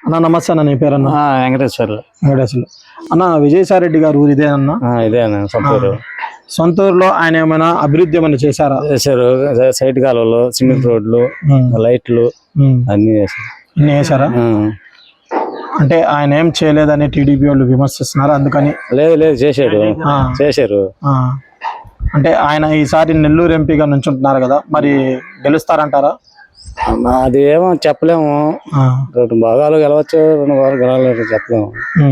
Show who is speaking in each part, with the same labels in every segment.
Speaker 1: అన్న నమస్తే అన్న, నీ పేరు అన్న?
Speaker 2: వెంకటేశ్వర్లు.
Speaker 1: వెంకటేశ్వర్లు. అన్న, విజయసాయిరెడ్డి గారు ఊరు ఇదే అన్న?
Speaker 2: ఇదే అన్న సొంతూరు.
Speaker 1: సొంత ఊరులో ఆయన ఏమైనా అభివృద్ధి ఏమైనా చేశారా?
Speaker 2: చేశారు. సైడ్ కాలువలు, సిమెంట్ రోడ్లు, లైట్లు అన్ని చేశారు.
Speaker 1: అన్ని చేశారా? అంటే ఆయన ఏం చేయలేదని టీడీపీ వాళ్ళు విమర్శిస్తున్నారు, అందుకని.
Speaker 2: లేదు లేదు, చేశాడు. చేశారు.
Speaker 1: అంటే ఆయన ఈసారి నెల్లూరు ఎంపీగా నుంచుంటున్నారు కదా, మరి గెలుస్తారంటారా?
Speaker 2: అది ఏమో చెప్పలేము. 2 భాగాలు గెలవచ్చు, 2 భాగాలు గెలవలేదు చెప్పలేము.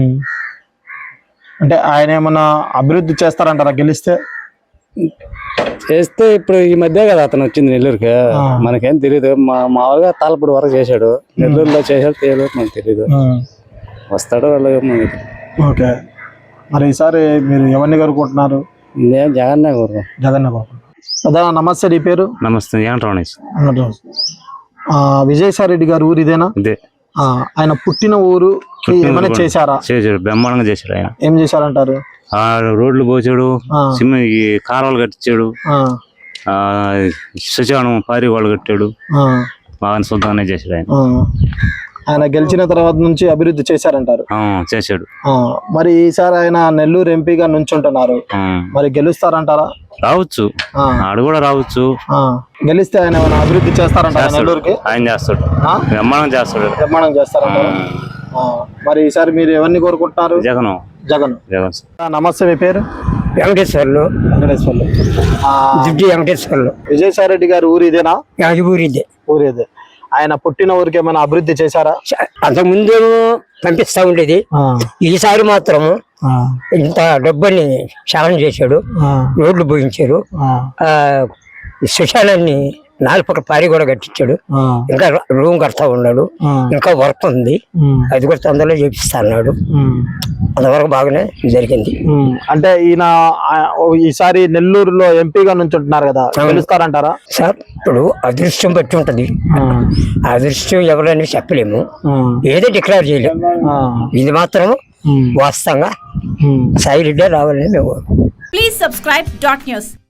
Speaker 1: అంటే ఆయన ఏమన్నా అభివృద్ధి చేస్తారంటారా గెలిస్తే?
Speaker 2: చేస్తే ఇప్పుడు ఈ మధ్య కదా అతను వచ్చింది నెల్లూరుకి, మనకేం తెలియదు. మామూలుగా తాళపూడి వరకు చేశాడు, నెల్లూరులో చేశాడు తెలియదు, మనకు తెలియదు. వస్తాడో వెళ్ళదు.
Speaker 1: ఓకే, మరి ఈసారి మీరు ఎవరిని కోరుకుంటున్నారు?
Speaker 2: నేను జగన్నే కోరుకుంటున్నాను.
Speaker 1: జగన్నే కోరుకుంటున్నాను. అదా, నమస్తే, నీ పేరు?
Speaker 2: నమస్తే, వెంకటరమణ.
Speaker 1: విజయసాయిరెడ్డి గారు ఊరు ఇదేనా?
Speaker 2: ఇదే.
Speaker 1: ఆయన పుట్టిన ఊరు ఏమైనా చేశారా?
Speaker 2: చేశాడు, బ్రహ్మాండంగా చేశాడు. ఆయన
Speaker 1: ఏం చేశారంటారు?
Speaker 2: రోడ్లు పోసాడు, ఈ కాలువలు కట్టించాడు, శ్మశానం పారి వాళ్ళు కట్టాడు, బాగా సొంతంగానే చేశాడు.
Speaker 1: ఆయన గెలిచిన తర్వాత నుంచి అభివృద్ధి చేశారంటారు?
Speaker 2: చేశాడు.
Speaker 1: మరి ఈసారి ఆయన నెల్లూరు ఎంపీగా నుంచుంటున్నారు, మరి గెలుస్తారంటారా?
Speaker 2: రావచ్చు, ఆడు కూడా రావచ్చు.
Speaker 1: గెలిస్తే ఆయన ఏమైనా అభివృద్ధి చేస్తారంటారా నెల్లూరుకి?
Speaker 2: ఆయన చేస్తాడు, బ్రహ్మాండం చేస్తాడు.
Speaker 1: బ్రహ్మాండం చేస్తారంటారా? మరి ఈసారి మీరు ఎవరిని కోరుకుంటున్నారు?
Speaker 2: జగన్.
Speaker 1: జగన్.
Speaker 2: జగన్.
Speaker 1: నమస్తే, మీ పేరు?
Speaker 3: వెంకటేశ్వర్లు.
Speaker 1: వెంకటేశ్వర్లు.
Speaker 3: వెంకటేశ్వర్లు.
Speaker 1: విజయసాయిరెడ్డి గారు ఊరు ఇదేనా?
Speaker 3: ఊరిదే.
Speaker 1: ఊరు ఇదే. ఆయన పుట్టిన ఊరికి ఏమైనా అభివృద్ధి చేశారా?
Speaker 3: అంతకు ముందేమో పంపిస్తా ఉండేది, ఈసారి మాత్రం ఇంత డబ్బుని క్షాళన చేశాడు, రోడ్లు పోయించారు, శ్మశానాన్ని 4 పక్కల పారి కూడా కట్టించాడు, ఇంకా రూమ్ కడతా ఉన్నాడు, ఇంకా వర్క్ ఉంది, అది కూడా తొందరలో చేపిస్తా అన్నాడు. అంతవరకు బాగానే జరిగింది.
Speaker 1: అంటే ఈయన ఈసారి నెల్లూరులో ఎంపీగా నుంచి ఉంటున్నారు కదా, గెలుస్తారంటారా?
Speaker 3: సార్, ఇప్పుడు అదృష్టం బట్టి ఉంటది, అదృష్టం ఎవరని చెప్పలేము, ఏదో డిక్లేర్ చేయలేము. ఇది మాత్రం వాస్తవంగా సాయిరెడ్డి రావాలని మేము.
Speaker 4: Please subscribe .news